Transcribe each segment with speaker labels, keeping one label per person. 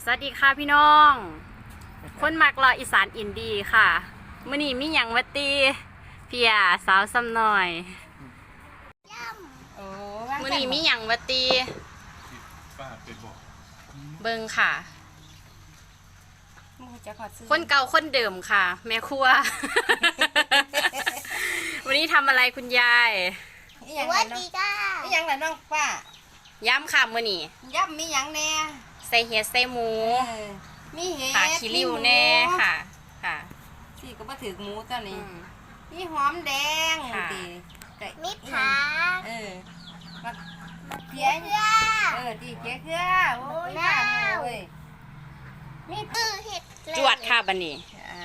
Speaker 1: สวัสดีค่ะพี่น้อง คนมักรออีสานอินดีค่ะมื้อนี้มีหยังวัตีเพียสาวซ้ำหน่อยมื้อนี้มีหยังวัตี
Speaker 2: ป้าไปบอก
Speaker 1: เบิ่งค่ะคนเก่าคนเดิมค่ะ แม่ครัว วันนี้ทำอะไรคุณยาย
Speaker 3: สวัสดีจ้าอีหยังล่ะน้องป้า
Speaker 1: ย้ำค่ะมื้อนี้
Speaker 3: ย่ำมีหยังแน่
Speaker 1: ใส่เห็ดใส่หมู
Speaker 3: มีเห็ด
Speaker 1: ค่ะขี้ริ้วแน่ค่ะค่ะ
Speaker 3: ที่ก็มาถือหมูตัวนี้มีหอมแดงตี
Speaker 4: มีผัก
Speaker 3: มาเพี้ยตีเพี้ยเครือโอ้ยน้ำโอ้ยมี
Speaker 4: เห็ด
Speaker 1: จวดค่ะบัดนี้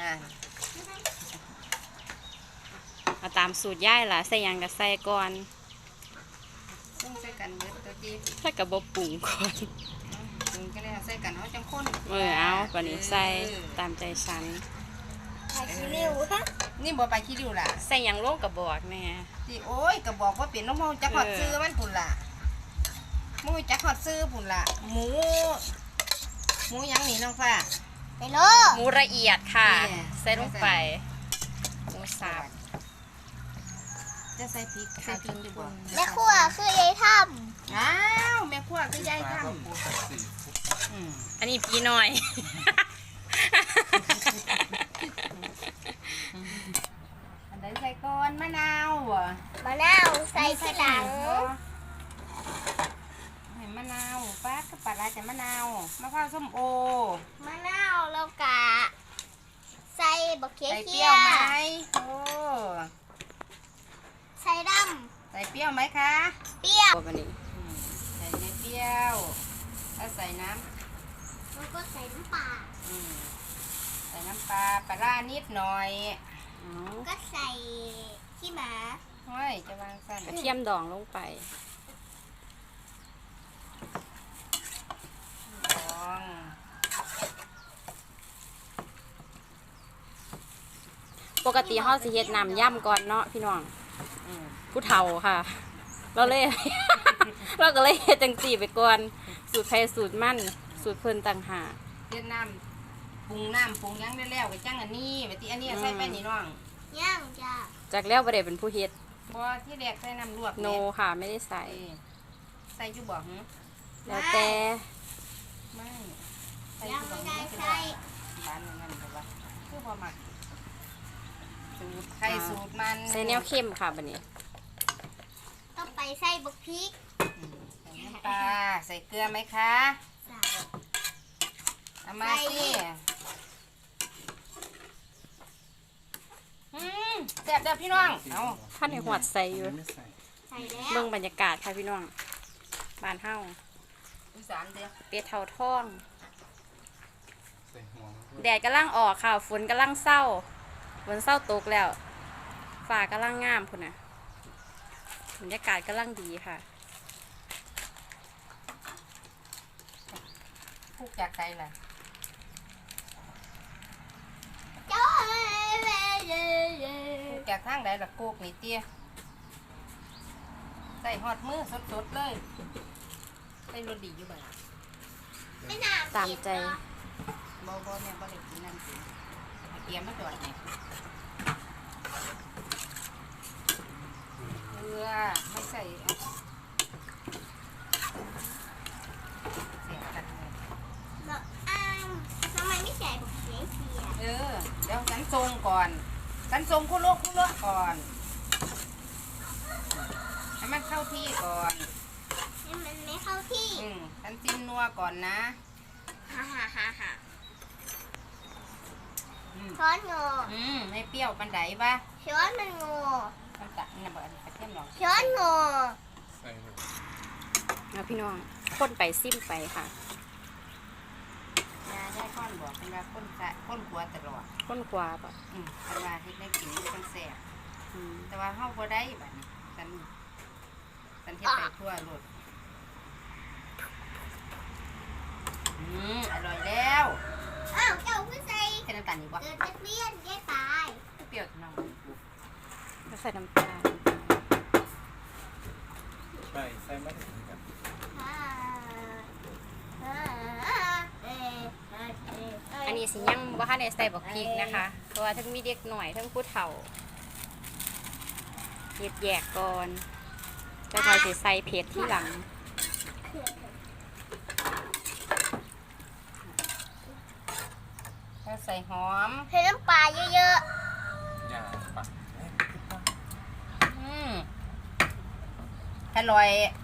Speaker 1: เอาตามสูตรย่ายล่ะใส่หยังก็ใส่ก่อน
Speaker 3: ต้องใส่กันเบิดตัวจี
Speaker 1: ถ้ากับบ่ปรุงก่อน
Speaker 3: ปรุงก็ได้ใส่กันเอาจังข้น
Speaker 1: เอาบัดนี้ใส่ตามใจฉัน
Speaker 4: ใส่ขี้ริ้ว
Speaker 3: นี่บ่ไปขี้ริ้วล่ะ
Speaker 1: ใส่หยังลงกับบอกแม่
Speaker 3: สิโอ้ยก็บอกว่าเป็นน้องเฮาจักฮอดซื้อมันพุ่นล่ะมูจักฮอดซื้อพุ่นล่ะหมูหยังนี่น้องฟ้า
Speaker 4: ไปโล
Speaker 1: หมูละเอียดค่ะใส่ลงไปหมูสับ
Speaker 3: จะใส่พริกใส่พริกดีกว่า
Speaker 4: แม่ครัวคือยายท
Speaker 3: อ้าวแม่ครัวคือยายทำ
Speaker 1: อันนี้พี่น้อย
Speaker 3: อันไหนใส่ก้อนมะนาว
Speaker 4: มะนาวใส่กระดัง
Speaker 3: มะนาวป้าก็ปัดลายแต่มะนาวมะพร้าวส้มโอ
Speaker 4: มะนาวแล้วก็ใส่บักเขีย
Speaker 3: ใส่เปรี้ยวไหมโอ้
Speaker 4: ใส่ด
Speaker 3: ำใส่เปรี้ยวไหมคะ
Speaker 4: เปรี้ยว
Speaker 1: บัดนี้
Speaker 3: ใส่เปรี้ยวแล้วใส่น้ำ
Speaker 4: แล้วก็ใส่น้ำปลา
Speaker 3: ใส่น้ำปลาปลานิดหน่อย
Speaker 4: ก็ใส่ขี้หมา
Speaker 3: เฮ้ยจะวางสั้น
Speaker 1: กระเทียมดองลงไปปกติเฮาสิเฮ็ดน้ำย่ำก่อนเนาะพี่น้องผู้เฒ่าค่ะเราเลย เราก็เลยเฮ็ดจังซี่ไปก่อนสูตรไผสูตรมันสูตรเพิ่นต่างหาก
Speaker 3: เฮ็ดน้ำปรุงยังได้แล้วไปจังอันนี้ไปที่อันนี้ใส่ไปนี่น้อง
Speaker 4: ย่างจ้า
Speaker 1: จากแล้วบ่ได้เป็นผู้เฮ็ด
Speaker 3: บ่ที่แรกใส่น้ำลวก
Speaker 1: โนค่ะไม่ได้ใส่
Speaker 3: อยู่บ่หึ
Speaker 1: แล้วแต่
Speaker 3: ไม่
Speaker 4: ยังไม่ได้ใส่
Speaker 3: บ้านนั่นก็ว่าคือพอมักสูตรไข่สูตรมัน
Speaker 1: ใส่แนวเข้มค่ะบัดนี้
Speaker 4: ต้องไปใส่บักพริก
Speaker 3: ใส่น้ำปลาใส่เกลือไหมคะ
Speaker 4: ใส่
Speaker 3: เอามาสิแซ่บเด้อพี่น้องเอา
Speaker 1: ท่านในหัวใส่อยู่
Speaker 4: ใส่แล้ว
Speaker 1: เบิ่งบรรยากาศค่ะพี่น้องบ้านเฮา
Speaker 3: อีสานเด้อ
Speaker 1: เป็ดเฒ่าทองแดดกำลังออกค่ะฝนกำลังเศร้าฝนเศร้าตกแล้วฟ้ากำลังงามพุ่นน่ะบรรยากาศกำลังดีค่ะ
Speaker 3: พูกจากใจล่ะพูกจากทางใดล่ะโกกนี่เตี้ยใส่หอดมือสดๆเลยใส่รสดีอยู่บ่ล่ะ
Speaker 1: ตามใจ
Speaker 3: บ่แม่บ่ได้กินนั่นสิเตรียมมาจอดนี่เกลือไม่ใส่เสียกันเลย
Speaker 4: ทำไมไม่ใส่บักเขีย
Speaker 3: เดี๋ยวฉันทรงก่อนฉันทรงคุโรก่อนให้มันเข้าที่ก่อน
Speaker 4: ให้มันไม่เข้าที่
Speaker 3: ฉันจิ้มนัวก่อนนะ
Speaker 4: ฮ่าช้อนงอ
Speaker 3: ไม่เปรี้ยวปันไดปะ
Speaker 4: ช้อนมันงอ
Speaker 3: มันตัดนี่นะบอกกระเทียมหรอ
Speaker 4: ช้อนงอ
Speaker 1: แล้วพี่น้องคนไปซิมไปค่ะ
Speaker 3: ยาได้ข้อนบอกเป็นว่าข้นขวตลอด
Speaker 1: คนขวาปะ
Speaker 3: เป็นว่าเฮ็ดได้กินตั้งแซ่บแต่ว่าเฮาบ่ได้บัดนี้ฉันเฮ็ดไปทั่วโลดอร่อยแล้ว
Speaker 4: อ้าวเจ้าคือใส่
Speaker 3: ใส่น้ำตาลนี่บ่
Speaker 4: เกิดจะเปรี้ยนแย่ตาย
Speaker 3: เปรี้ยวน้อง
Speaker 1: แล้วใส่น้ำตาล
Speaker 2: ใส่ไม่ถึงกัน
Speaker 1: สิยังบ่ทันได้ใส่บักพริกนะคะเพราะว่าทั้งมีเด็กหน่อยทั้งผู้เฒ่าเฮ็ดแยกก่อนจะคอยสิใส่เผ็ดที่หลัง
Speaker 3: แล้วใส่หอม
Speaker 4: เทน้ำปลาเยอะ
Speaker 2: อย่าปัก
Speaker 3: อร่อย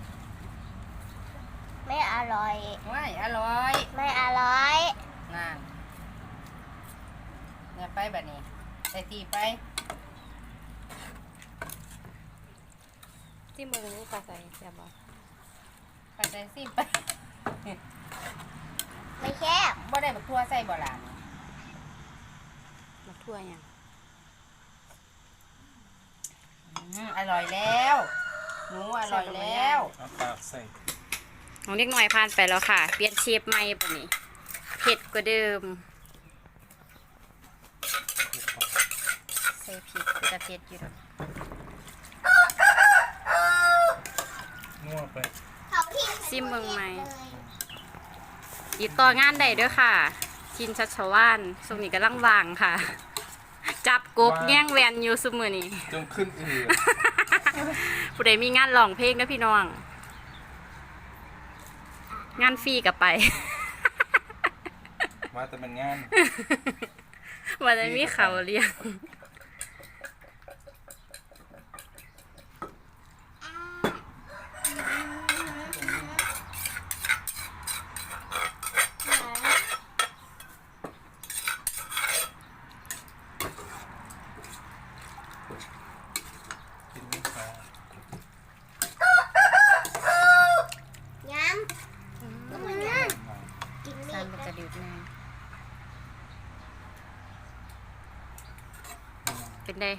Speaker 4: ๆ ไม่อร่อย
Speaker 3: ว้ายอร่อย
Speaker 4: ไม่อร่อย
Speaker 3: นั่นเนี่ยไปแบบนี้ใส่ตีไป
Speaker 1: ที่มือนี้ปลาใส่แซ่บบ่
Speaker 3: ไปใส่ซีไป
Speaker 4: ไม่แคบ
Speaker 3: บ่ได้บักทั่วใส่บ่ล่ะ
Speaker 1: มาทั่วหยัง
Speaker 3: อร่อยแล้วหนูอร่อยแล้ว
Speaker 2: เอาปากใส่
Speaker 1: น้องเด็กหน่อยผ่านไปแล้วค่ะ เปลี่ยนเชฟใหม่ปะนี้เผ็ดกว่าเดิมใส่พริกก็จะเผ็ดอยู่ดอก
Speaker 2: งัวไป
Speaker 4: เขาที่
Speaker 1: ซิมเบิ่งไหมติดต่องานได้เด้วยค่ะ ชินชัชวานช่วงนี้กำลังว่างค่ะ จับกบแง่งแวนอยู่ซุมื้อนี้
Speaker 2: จนขึ้นอืด
Speaker 1: ผู้ใดมีงานร้องเพลงนะพี่น้อง งานฟรีกับไป
Speaker 2: มาแต่มันงาน
Speaker 1: วันนี้มีเขาเลี้ยง
Speaker 2: กินไม่ปลา
Speaker 4: ย้ำก็เหมือนกันกิน
Speaker 1: สร้างเป็น
Speaker 4: มีด
Speaker 1: กระดิ่งแน่เป็นได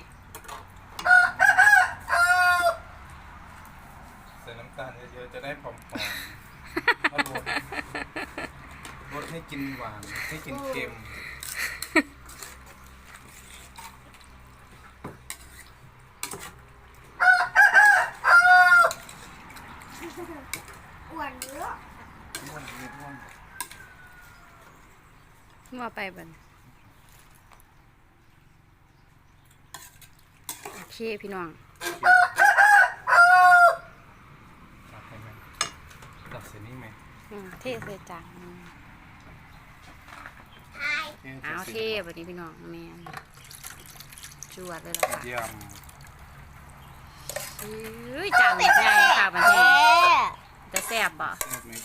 Speaker 2: ใส่น้ำตาลเยอะๆจะได้ผอมๆเอาบดให้กินหวานให้กินเค็ม
Speaker 4: อ้วนเยอะ
Speaker 2: ม่วนนิดม่วน
Speaker 1: ว่าไปบันโอเคพี่น้อง
Speaker 2: ตัดไปไหมตัดเส้นนี้ไหม
Speaker 1: เทใส่จาน
Speaker 4: ไอ้
Speaker 1: เอาเทบันนี้พี่น้องแมนจวดเลยละค่ะ
Speaker 2: เยี่ยม
Speaker 1: เฮ้ยจานใหญ่ค่ะบันทีจะแซ่บบ่
Speaker 2: ชอบไหม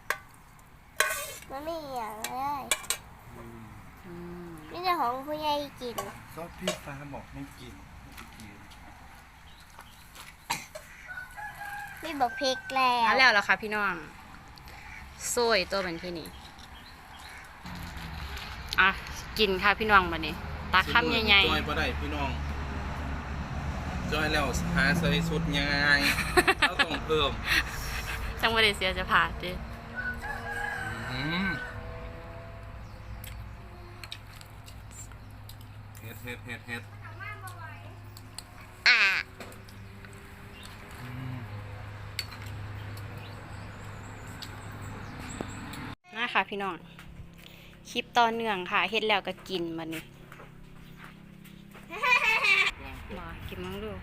Speaker 4: มันไม่อย่างเลย
Speaker 1: อืม
Speaker 4: นี่จะของผู้ใหญ่กิน
Speaker 2: ซอสพี่ฟ้าบอกไม่กินไม่กิน
Speaker 4: ไม่บอกพริกแล้ว
Speaker 1: เอาแล้วล่ะค่ะพี่น้องโซ่ยตัวเป็นที่นี่อ่ะกินค่ะพี่น้องบันนี้ตักคำใหญ่
Speaker 2: จอยบ่ได้พี่น้องจอยแล้วหาใส่สุดยังไงเราต้องเพิ่ม
Speaker 1: ๆจังหวะเดเสียจะผ่าดิ
Speaker 2: อืมเฮ็ด
Speaker 4: อ่ะ
Speaker 2: อืม
Speaker 1: นะค่ะพี่น้องคลิปต่อเนื่องค่ะเฮ็ดแล้วก็กินบันนี้มากินมั้งดู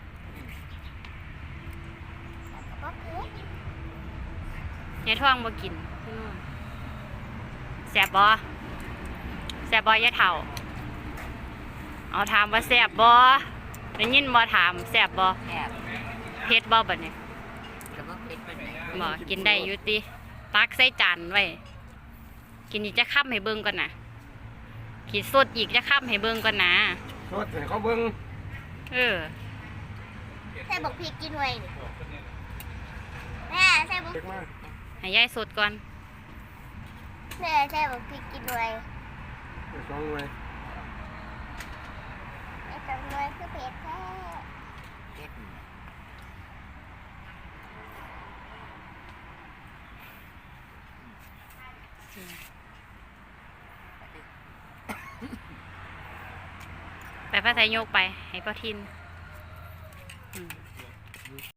Speaker 4: บอกพริก
Speaker 1: ยายท่องบ่กินพี่น้องแซ่บบ่แซ่บบ่ยายเฒ่าเอาถามว่าแซ่บบ่ได้ยินบ่ถามแซ่บบ่
Speaker 3: แอบ
Speaker 1: เผ็ดบ่บัดนี้
Speaker 3: แล้วก็พริกไปไหน
Speaker 1: บ่กินได้อยู่ติตักใส่จานไว้กินอีกจะค้ำให้เบิ่งก่อนนะขีดสดอีกจะค้ำให้เบิ่งก่อนนะ
Speaker 2: โทษให้เขาเบิ่ง
Speaker 1: เออ
Speaker 4: ใส่บอกพริกกินไว้นี่แม่ใส่บอก
Speaker 2: เด็กมาก
Speaker 1: ให้ยายสดก่อน
Speaker 4: แม่ใส่บอกพริกกินไว้
Speaker 2: เด็กน้องไว้
Speaker 4: ไอ้ตรงน้อยคือเผ็ดแท้
Speaker 1: ไปพระไทยโยกไปให้พ่อทิน